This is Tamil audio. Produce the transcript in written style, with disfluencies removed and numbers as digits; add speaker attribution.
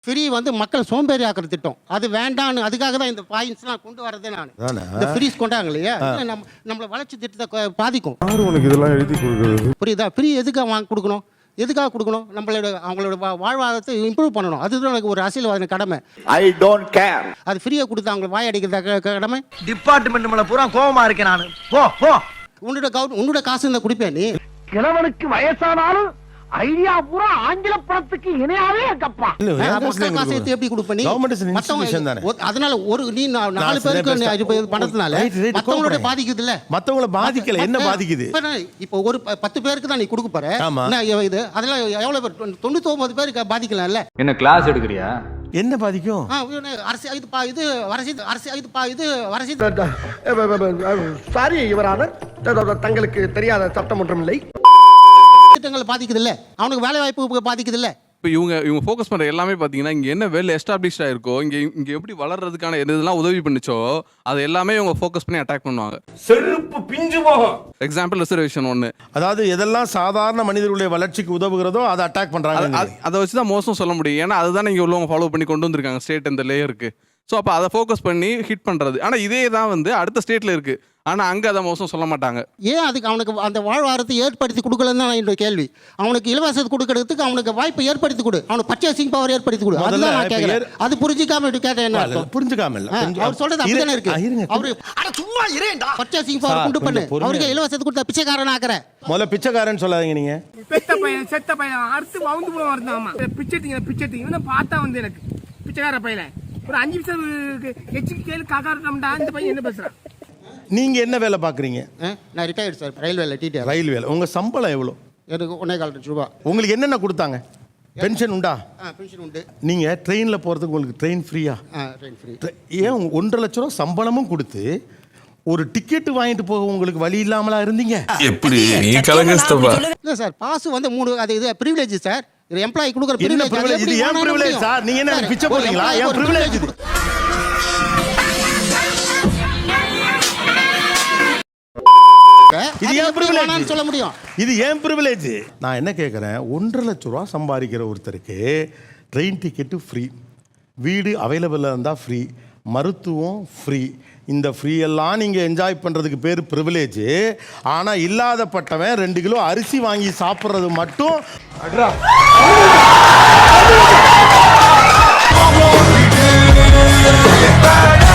Speaker 1: ஃப்ரீ வந்து மக்கள் சோம்பேறி ஆக்கிற திட்டம் அது வேண்டான்னு அதுக்காக தான் இந்த பாயிண்ட்ஸ்லாம் கொண்டு வரதே நான் இந்த ஃப்ரீஸ் கொண்டாங்க இல்லையா நம்மளை வளர்ச்சி திட்டத்தை பாதிக்கும்.
Speaker 2: உனக்கு இதெல்லாம் எழுதி கொடுக்குறது
Speaker 1: புரியுதா? ஃப்ரீ எதுக்காக வாங்கி கொடுக்கணும், எதுக்காக கொடுக்கணும்? அவங்களோட வாழ்வாதாரத்தை இம்ப்ரூவ் பண்ணணும். அதுதான் எனக்கு ஒரு அரசியல்வாதி கடமை.
Speaker 3: I don't care.
Speaker 1: அது ஃப்ரீயாக கொடுத்து அவங்க வாய் அடிக்கிறத கடமை.
Speaker 4: டிபார்ட்மெண்ட் மேல பூரா கோவமா இருக்கேன் நான். போ போ.
Speaker 1: உன்னோட காசு இருந்தா குடிப்பேன் நீ.
Speaker 4: கிழவனுக்கு வயசானாலும் ஐடியா பூரா ஆங்கில படத்துக்கு இணையாவே இருக்கப்பா.
Speaker 1: காசை எப்படி கொடுப்ப நீ? அதனால ஒரு நீ 4 பேருக்கு பணத்தினால மத்தவங்களோட பாதிக்குது இல்ல?
Speaker 2: மத்தவங்கள பாதிக்கல. என்ன பாதிக்குது?
Speaker 1: இப்போ ஒரு 10 பேருக்கு தான் நீ கொடுக்க போற. இது அதெல்லாம் எவ்வளவு பேர்? 99 பேருக்கு பாதிக்கலாம் இல்ல?
Speaker 5: என்ன கிளாஸ் எடுக்கறியா?
Speaker 2: என்ன பாதிக்கும்?
Speaker 4: சாரி யுவரானர், தங்களுக்கு தெரியாத சட்டம் ஒன்றும் இல்லை.
Speaker 1: திட்டங்கள் பாதிக்குது இல்ல? அவனுக்கு வேலை வாய்ப்பு பாதிக்குது இல்ல?
Speaker 6: இப்போ இவங்க ஃபோக்கஸ் பண்ணுற எல்லாமே பார்த்தீங்கன்னா இங்கே என்ன வெல் எஸ்டாப்ளிஷ்டாக இருக்கோ, இங்கே எப்படி வளர்றதுக்கான எதெல்லாம் உதவி பண்ணிச்சோ அது எல்லாமே இவங்க ஃபோக்கஸ் பண்ணி அட்டாக் பண்ணுவாங்க.
Speaker 4: செருப்பு பிஞ்சு போகும்.
Speaker 6: எக்ஸாம்பிள் ரிசர்வேஷன் ஒன்று.
Speaker 2: அதாவது எதெல்லாம் சாதாரண மனிதர்களுடைய வளர்ச்சிக்கு உதவுகிறதோ அதை அட்டாக் பண்ணுறாங்க.
Speaker 6: அதை வச்சு தான் மோசம் சொல்ல முடியும். ஏன்னா அதுதான் இங்கே உள்ளவங்க ஃபாலோ பண்ணி கொண்டு வந்திருக்காங்க ஸ்டேட் இந்த லேயருக்கு. ஸோ அப்போ அதை ஃபோக்கஸ் பண்ணி ஹிட் பண்ணுறது. ஆனால் இதே தான் வந்து அடுத்த ஸ்டேட்டில் இருக்குது. ஆனால் அங்கே அதை மோசம் சொல்ல மாட்டாங்க.
Speaker 1: ஏன் அதுக்கு அவனுக்கு அந்த வாழ்வாரத்தை ஏற்படுத்தி கொடுக்கலன்னு தான் என்னோட கேள்வி. அவனுக்கு இலவசத்தை கொடுக்கறதுக்கு அவனுக்கு வாய்ப்பை ஏற்படுத்தி கொடு, அவனுக்கு பர்ச்சேசிங் பவர் ஏற்படுத்தி கொடு. அதுதான் நான் கேட்கிறேன். அது புரிஞ்சிக்காம இப்படி கேட்டேன். என்ன புரிஞ்சுக்காம இல்ல, அவர் சொல்றது அப்படிதானே இருக்கு. அவரு சும்மா இரேண்டா பர்ச்சேசிங் பவர் கொண்டு பண்ணு, அவருக்கு இலவசத்தை கொடுத்தா பிச்சைக்காரன் ஆக்குற.
Speaker 2: முதல்ல பிச்சைக்காரன் சொல்லாதீங்க நீங்க.
Speaker 7: செத்த பையன் அடுத்து வவுந்து போக வருதாமா. பிச்சை பார்த்தா வந்து எனக்கு பிச்சைக்கார பையல ஒரு 5 நிமிஷம் எச்சுக்கு கேளு காக்காரட்டா. இந்த பையன் என்ன பேசுறான்?
Speaker 2: நீங்க என்ன வேலை பாக்குறீங்க?
Speaker 1: நான் ரிட்டையர்ட் சார், ரயில்வேல டிடிஆர்.
Speaker 2: ரயில்வேல. உங்க சம்பளம் எவ்வளவு?
Speaker 1: எனக்கு 1.25 லட்சம் ரூபாய்.
Speaker 2: உங்களுக்கு என்னென்ன கொடுத்தாங்க? பென்ஷன் உண்டா?
Speaker 1: பென்ஷன் உண்டு.
Speaker 2: நீங்க ட்ரெயின்ல போறதுக்கு உங்களுக்கு ட்ரெயின் ஃப்ரீயா?
Speaker 1: Train free.
Speaker 2: ஏன் 1.5 லட்சம் ரூபாய் சம்பளமும் கொடுத்து ஒரு டிக்கெட் வாங்கிட்டு போக உங்களுக்கு வழி இல்லாமலா இருந்தீங்க?
Speaker 8: எப்படி நீ கலங்கஸ்தப்பா?
Speaker 1: இல்ல சார், பாஸ் வந்து 3 அது இது பிரிவிலேஜ் சார். இது எம்ப்ளாயி கொடுக்குற பிரிவிலேஜ்.
Speaker 2: இது ஏன் பிரிவிலேஜ் சார்? நீங்க என்ன பிச்சை போடுறீங்களா? ஏன் பிரிவிலேஜ் இது? இது ஏன் பிரிவிலேஜ் சொல்ல முடியும்? இது ஏன் பிரிவிலேஜ்? நான் என்ன கேட்குறேன், 1.5 லட்சம் ரூபா சம்பாதிக்கிற ஒருத்தருக்கு ட்ரெயின் டிக்கெட்டு ஃப்ரீ, வீடு அவைலபிளாக இருந்தால் ஃப்ரீ, மருத்துவம் ஃப்ரீ. இந்த ஃப்ரீ எல்லாம் நீங்கள் என்ஜாய் பண்ணுறதுக்கு பேர் ப்ரிவிலேஜ். ஆனால் இல்லாதப்பட்டவன் 2 கிலோ அரிசி வாங்கி சாப்பிட்றது மட்டும் அட்ரா